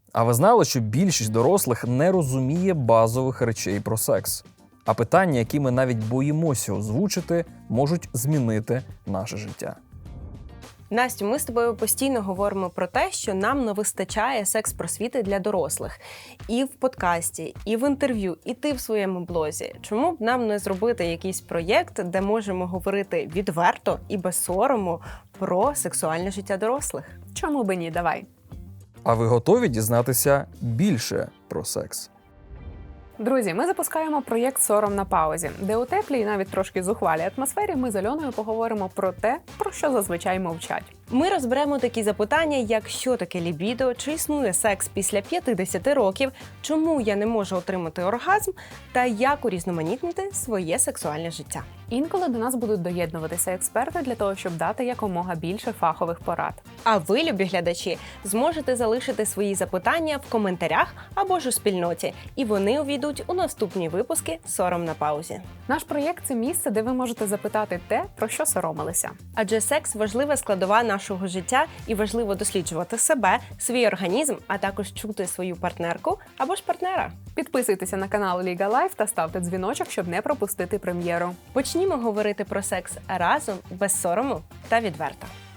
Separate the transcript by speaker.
Speaker 1: А ви знали, що більшість дорослих не розуміє базових речей про секс? А питання, які ми навіть боїмося озвучити, можуть змінити наше життя.
Speaker 2: Настю, ми з тобою постійно говоримо про те, що нам не вистачає секс-просвіти для дорослих. І в подкасті, і в інтерв'ю, і ти в своєму блозі. Чому б нам не зробити якийсь проєкт, де можемо говорити відверто і без сорому про сексуальне життя дорослих?
Speaker 3: Чому би ні? Давай.
Speaker 1: А ви готові дізнатися більше про секс?
Speaker 3: Друзі, ми запускаємо проєкт «Сором на паузі», де у теплій і навіть трошки зухвалій атмосфері ми з Альоною поговоримо про те, про що зазвичай мовчать.
Speaker 2: Ми розберемо такі запитання, як що таке лібідо, чи існує секс після 50 років, чому я не можу отримати оргазм, та як урізноманітнити своє сексуальне життя.
Speaker 3: Інколи до нас будуть доєднуватися експерти для того, щоб дати якомога більше фахових порад.
Speaker 2: А ви, любі глядачі, зможете залишити свої запитання в коментарях або ж у спільноті, і вони увійдуть у наступні випуски «Сором на паузі».
Speaker 3: Наш проєкт – це місце, де ви можете запитати те, про що соромилися.
Speaker 2: Адже секс – важлива складова нашого життя, і важливо досліджувати себе, свій організм, а також чути свою партнерку або ж партнера.
Speaker 3: Підписуйтеся на канал Ліга Лайф та ставте дзвіночок, щоб не пропустити прем'єру.
Speaker 2: Почнімо говорити про секс разом, без сорому та відверто.